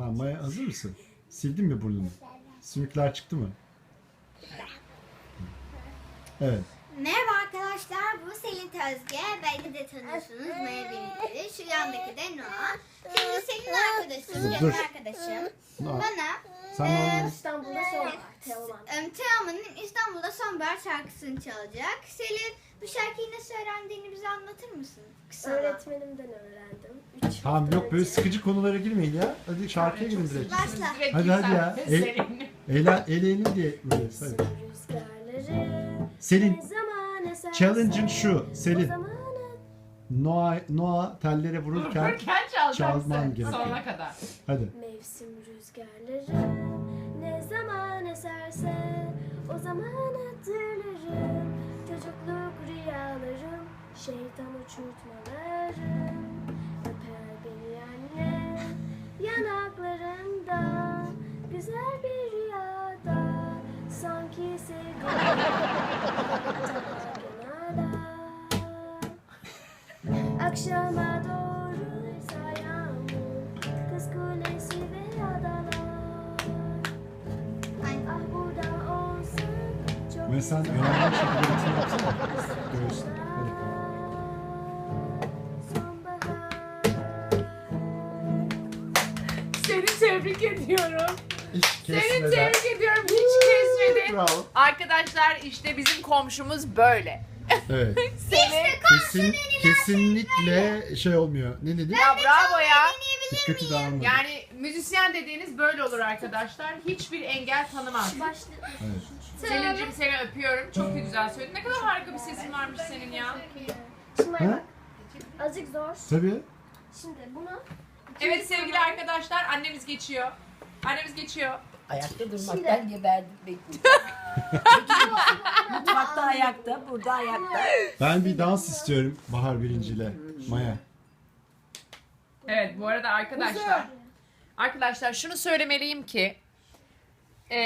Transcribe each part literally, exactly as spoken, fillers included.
Tamam Maya, hazır mısın? Sildin mi burnunu? Sümükler çıktı mı? Evet. Merhaba arkadaşlar, bu Selin Tözge. Belki de tanıyorsunuz Maya birlikleri. Şu yandaki de Noah. Şimdi Selin arkadaşım, yakın Dur. arkadaşım. Noah, Bana Sen Ee, normal- İstanbul'da son var. Teoman. e, Teoman'ın İstanbul'da Sonbahar şarkısını çalacak. Selin, bu şarkıyı nasıl öğrendiğini bize anlatır mısın? Kısa. Öğretmenimden öğrendim. Üç Tamam hafta yok böyle önce. sıkıcı konulara girmeyin ya. Hadi şarkıya girin direkt. Başla. Hadi hadi ya. El, eğlen, eleyelim diye böyle. Hadi. Rüzgarları Selin, ne zaman eserse challenge'ın şu. o Selin, zaman Noah, Noah tellere vururken Vururken çalacaksın çalman gerekiyor. sonuna kadar. hadi. mevsim rüzgarları ne zaman eserse o zaman hatırlarım. Çocukluk rüyalarım, şeytan uçurtmalarım. Öper beni annem yanaklarında, güzel bir rüyada, sanki sevgilim kenarda. Akşama doğru yağmur, kız kulesi ve adalar. Ah burada olsun çok Ve sen güzel. öğrendiğin şekilde ritim yapsana. Göğüsle. Hadi. Sonbahar. Seni tebrik ediyorum. Hiç Seni kesmeden. tebrik ediyorum. Hiç kesmedin. Bravo. Arkadaşlar işte bizim komşumuz böyle. Evet. Seni Kesin, kesinlikle şey olmuyor. Ne dedi? ya bravo ya. Dikkati dağılmadı. Yani müzisyen dediğiniz böyle olur arkadaşlar. Hiçbir engel tanımaz. Başlı. Evet. Selin'cim seni öpüyorum. Çok güzel söyledin. Ne kadar harika bir sesin varmış senin ya. Şimdi Ha? bak. Azıcık zor. Tabii. Şimdi bunu Evet sevgili arkadaşlar annemiz geçiyor. Annemiz geçiyor. Ayakta durmaktan geberdim bekliyorum. Mutfakta ayakta, burada ayakta. Ben bir dans istiyorum Bahar birinciyle. Maya. Evet bu arada arkadaşlar. Arkadaşlar şunu söylemeliyim ki e,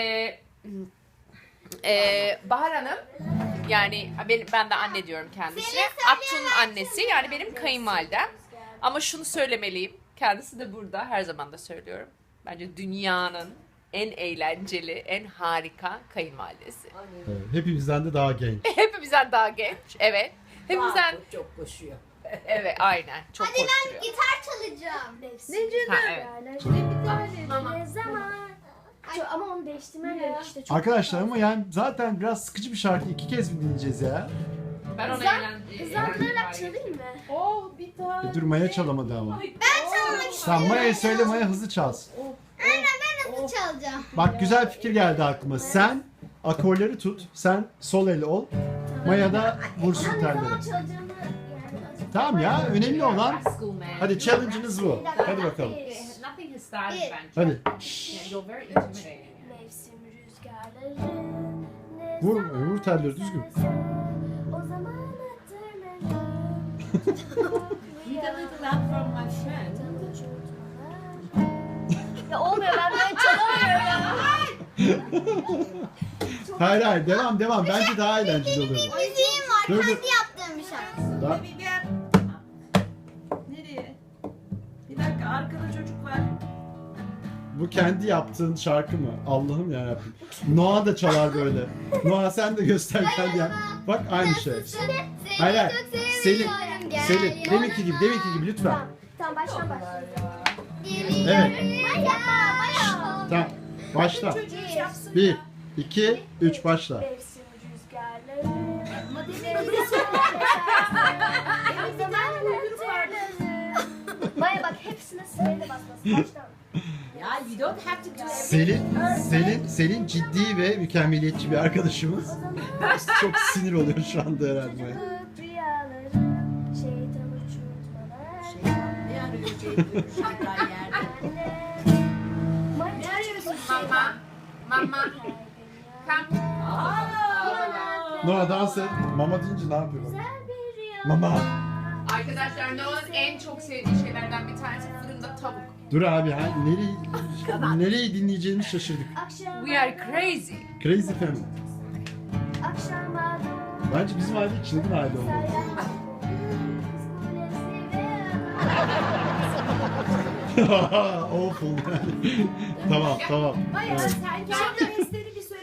e, Bahar Hanım yani ben, ben de anne diyorum kendisine. Aktun'un annesi yani benim kayınvalidem. Ama şunu söylemeliyim. Kendisi de burada her zaman da söylüyorum. Bence dünyanın en eğlenceli, en harika kayınvalidesi. Evet. Hepimizden de daha genç. Hepimizden daha genç. Evet. Hepimizden Çok, çok koşuyor. evet aynen. Çok Hadi ben koşturuyor. gitar çalacağım. mevsim Ha, evet. rüzgarları ne zaman. Çok- ama onu değiştirmen gerek işte. Çok Arkadaşlar ama yani zaten biraz sıkıcı bir şarkı. İki kez mi dinleyeceğiz ya? Ben ona Hızlan- eğlen- Hızlandırarak eğlendim. çalayım mı? Oh bir tane. E dur Maya çalamadı ama. Ben çalmak istiyorum. Tamam Maya'ya söyle, Maya hızlı çalsın. Aynen, ben nasıl çalacağım? Bak güzel fikir geldi aklıma. Sen akorları tut. Sen sol el ol. Maya da vursun Ama ne zaman telleri. çalacağımı yani azıcık. Tamam ya, önemli olan. School man. Hadi challenge'ınız bu. Hadi bakalım. Nothing has started Bir. bence. Hadi. Yeah, you're very intimidating. Mevsim rüzgarları ne Vur, zaman vur telleri düzgün. eserse o zaman hatırlarım. Need a little help from my friend. Ya olmuyor, ben böyle çalamıyorum ya. Hayır hayır, devam devam. Bence daha eğlenceli olur. Müziğim var, Dur, dur. kendi yaptığım bir şarkı. Daha... Nereye? Bir dakika, arkada çocuk var. Bu kendi yaptığın şarkı mı? Allah'ım yarabbim. Noah da çalar böyle. Noah sen de göster kendi yap. Bak aynı şey. Seni Hayır hayır. çok Selin, seviyorum, gel Selin. yanıma. Deminki gibi, deminki gibi lütfen. Tamam, tamam baştan başlayalım. Geliyorum. Evet. Maya, Maya. Tamam. Başla. Çocuğu yapsın. Bir, iki, üç başla. Mevsim rüzgarları. Ama demin Ne zaman hatırlarım. Maya bak, hepsine sırayla basması. Baştan. ya you don't have to do everything. Selin, Selin, Selin ciddi ve mükemmeliyetçi bir arkadaşımız. Çok sinir oluyor şu anda herhalde. Maya. Çocukluk rüyalarım, şeytan uçurtmalar. Ne arıyor Ceyhun? Şaka yerde. Anne. Maya Ne çok arıyorsun Mama. Mama. Come. Aa! Noah dans et. Mama deyince ne yapıyor? bak? güzel bir rüya. Mama. Arkadaşlar Noah'ın en çok sevdiği şeylerden bir tanesi fırında tavuk. Dur abi ha nereyi, nereyi dinleyeceğimizi şaşırdık. Akşama We are crazy. Crazy Family. Akşama doğru Bence bizim aile çılgın aile oldu. sayan kız kulesi ve Awful yani. Tamam tamam. Bayağı Evet. sen kendi testleri bir söyle.